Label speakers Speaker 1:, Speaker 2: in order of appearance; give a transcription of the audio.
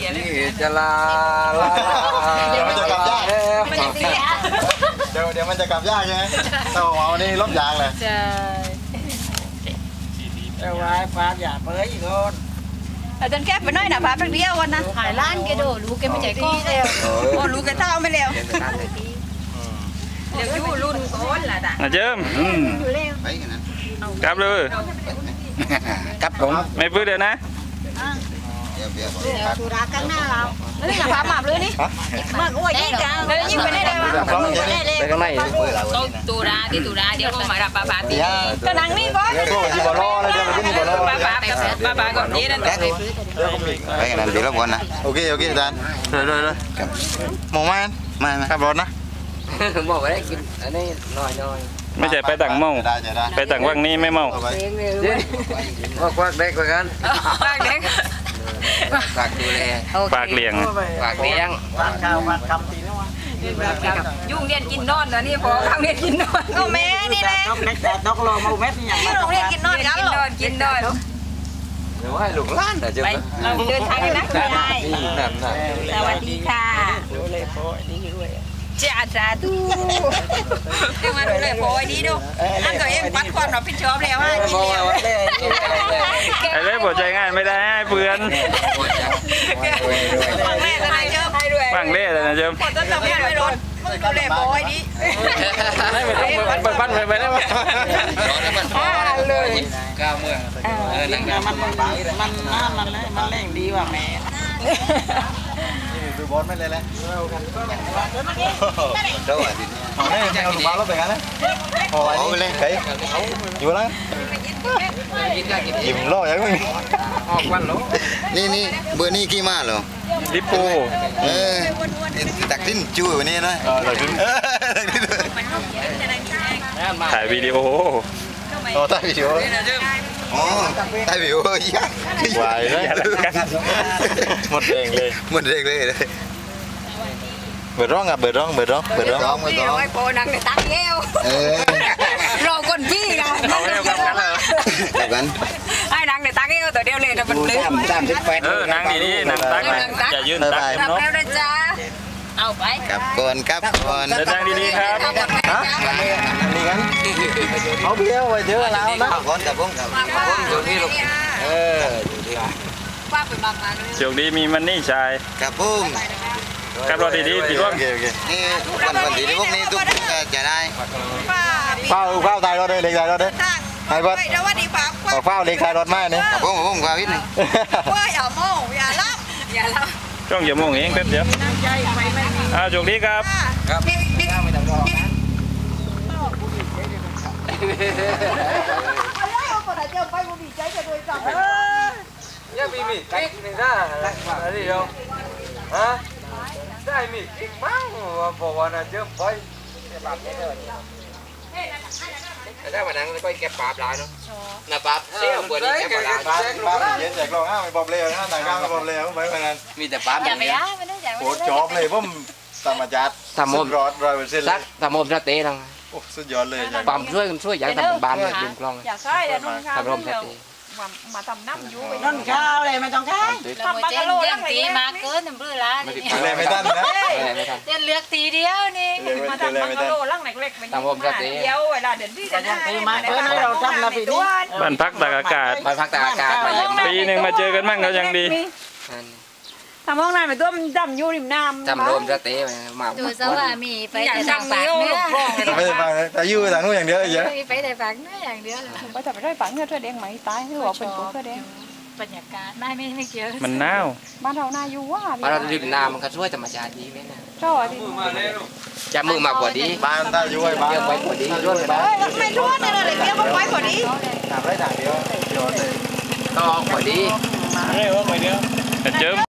Speaker 1: นี่จะลาเดี๋ยวมันจะกลับยากเดี๋ยวมันจะกลับยากใช่ไหมแต่ว่าวันนี้ลบยางเลย
Speaker 2: ใช่
Speaker 3: แต่ว่าฟ้าอย่าเปิดอีกคน
Speaker 2: แต่จนแก้ไปน้อยนะพาไปเดียววันนะหายล้านแกโดลูกแกไม่ใจก้อนแล้วโอ้ลูกแกเท่าไม่แล้วเดี๋ยวยู่รุ่นโอนล่ะจ้ะ
Speaker 4: เจิมกลับเลย
Speaker 1: กลับผม
Speaker 4: ไม่พื้นเดี๋ยวนะ
Speaker 2: สุราข้างหน้าเราแล้วนี่กับพาหมาเลยนี่มาอ้วยยิ่งกันแล้วยิ่งไปได้เลยวะ
Speaker 1: ไปข้างใน
Speaker 2: ตุราที่ตุราเดี๋ยวก็มารับปลาตีก็นั่งนี่ก่อน
Speaker 1: ที่บ่อล้อแล้วเดี๋ยวมันก็มีบ่อล้อ
Speaker 2: ปลาก่อนนี้นั่น
Speaker 1: ไปกันนั่นเดี๋ยวรบกวนนะโอเคอาจารย์เลยมองมาขับรถนะ
Speaker 3: บอกว่าได้กินอันนี้น้อย
Speaker 4: ไม่ใช่ไปต่างเมาไปต่างว่างนี้ไม่เมา
Speaker 1: ควักเด็กเหมือนกัน
Speaker 2: ปากเด็ก
Speaker 3: ฝากดูแล
Speaker 4: ปากเลี้ยง
Speaker 3: ฝากเลี้ยง
Speaker 1: ฝากข้าวฝากคำตีนะวะ
Speaker 2: ยุ่งเรียนกินนอนนะนี่พอข้างเรียนกินนอนก็แม่นี่แหละ
Speaker 3: นกรอมาเม็ดนี่อย่าง
Speaker 2: นี้โรงเรียนกินนอนกันหรอกินนอน
Speaker 1: หรือว่าให้ลูกหลานนะเจ้า
Speaker 2: เราเดินทางกันนะคุณยายสวัสดีค่ะจ้าจ้าดูยังมาดูเลยโผล่ดีดูอันตัวเองปัดความรับผิดชอบแล้วว่าจริงแล้ว
Speaker 4: ไอ้เล่ปวดใจง่ายไม่ได้ให้เพื่อน
Speaker 2: ฟังแม่ทนายเจิมให้ด้วย
Speaker 4: ฟังเล่ทนายเจิม
Speaker 2: ปวดต้นตำแม่ด้วยรถมึงดูเลยโผล่ดี
Speaker 4: ปั้นไปได้ไหม
Speaker 3: เลยก้าวเมื่อนั่งมันแรงดีว่ะแม่
Speaker 1: ดูบอลไม่เลยแหละเดี๋ยวอ่ะดิเอาเนี่ยเอาบอลแล้วไปกันเลยโอ้ยเลยใครอยู่แล้วยิ้มล่อยังไง
Speaker 3: ออกวันแล้ว
Speaker 1: นี่เบอร์นี่กี่มาเหรอ
Speaker 4: ลิปโป
Speaker 1: ตักทิ้นจูวันนี้นะ
Speaker 4: ถ่ายวิดีโอ
Speaker 1: ถ่ายวิดีโออ๋อถ่ายวิดีโอยัก
Speaker 4: วายเลยหมดแรงเลย
Speaker 1: เบิดร้องเบิดร้อง
Speaker 2: ไอ้โปนังในตักเย้วรอคนพี่นะ
Speaker 4: เอาเร็ว
Speaker 1: กัน
Speaker 2: ไอ้นังในตักเย้วตัวเดียวเลยนะมันลืม
Speaker 4: นั่งดีๆนั่งตักอย่ายืนตัก
Speaker 2: รับแล้วนะจ๊ะเอาไป
Speaker 1: กับก่อน
Speaker 4: นั่งดีๆครับ
Speaker 1: นี่กันเอาเบี้ยวไปเยอะแล้วนะก่อนกับผมอยู่นี่ลูกอยู่ที่
Speaker 2: ว่าไปบางมา
Speaker 4: โชคดีมีมันนี่ชาย
Speaker 1: กับผม
Speaker 4: กับรถดีๆที่ว่า
Speaker 1: นี่วันดีที่พวกนี้ทุกจะได้เฝ้าตายรถเลยเล็กตายรถเลยไอ้บอสเฝ้าเล็กตายรถมากนี่ผมกว่าวิทย์นี่
Speaker 2: ว่าอย่าโม่อย่าลับ
Speaker 4: ช่องอย่าโม่เองแป๊บเดียวโชคดีครับ
Speaker 3: ยังมีมีกิ๊กนี่นะอะไรเดียวฮะได้มีกิ๊กมั้งบอกว่าน่ะเจอไปได้มานั่งก็เก็บปลาปลาเนาะน่ะปลาเสี้ยวเปิดนี่เก็บปลา
Speaker 1: เย็นแจกลองไม่บอบเลี้ยวนะต่างกันไม่บอบเลี้ยวไปเหมือนกัน
Speaker 3: มีแต่ปลา
Speaker 2: อย่าไปย่าไม่ได้
Speaker 1: โอ้จอบเลยผมธรรมจัดรอด100%เลย
Speaker 3: ทำโมสเต้ทั้ง
Speaker 1: โอ้สุดยอดเลย
Speaker 3: ปั๊มช่วยอย่างทำเป็นบ้านยืมกล้อง
Speaker 2: อยากใช่แต่นุ่นข้าวมาทำน้ำยูไปนุ่นข้าวเลยไม่ต้องข้าวทำปลากระโหลกยังตีมาเกินน้ำเบื่อละนี่
Speaker 1: ไม่ทันนะ
Speaker 2: เดินเลือกตีเดียวนี่มาทำปลากระโหลกลังเล็กๆ
Speaker 3: ทำผมเดี
Speaker 2: ยวเวลาเดินที่จะ
Speaker 3: ตีมาเกินเราทำละปีนี้
Speaker 4: บ้านพักตากอากาศปีหนึ่งมาเจอกันมั่งก็ยังดี
Speaker 2: ทำห้องน้ำไปตัวมันจำยูริมน้ำ
Speaker 3: จำรวมจะเตะมา
Speaker 2: ดูซะว่ามีไปแต่ทางปากเนี่ย
Speaker 1: ไม่ได้ฟังแต่ยูไปทางนู้นอย่างเดียวเลยเยอะ
Speaker 2: ไปแต่ปากเนี่ยอย่างเดียวไปแต่ไปได้ปังเนี่ยเธอแดงไหมตายหรือว่าเป็นตัวเธอแดงบรรยากาศไม่เกี่ยว
Speaker 4: มันหนาว
Speaker 2: บ้านเราหน้าอยู่ว่า
Speaker 3: บ้านเราริมน้ำมันก็ช่วยธรรมชาติดีไหมนะ
Speaker 2: ชอบดี
Speaker 3: จะมือมากกว่าดี
Speaker 1: บ้านตาอยู่ไว้บ้าน
Speaker 3: เยอะไว้กว่าดีด้วย
Speaker 2: บ้านไม่ทั่วเนี่ยเลยเยอะไว้กว่านี้
Speaker 1: ถามได้ถามเดียว
Speaker 3: ก็กว่าดี
Speaker 4: เร็วไปเดียวเจิม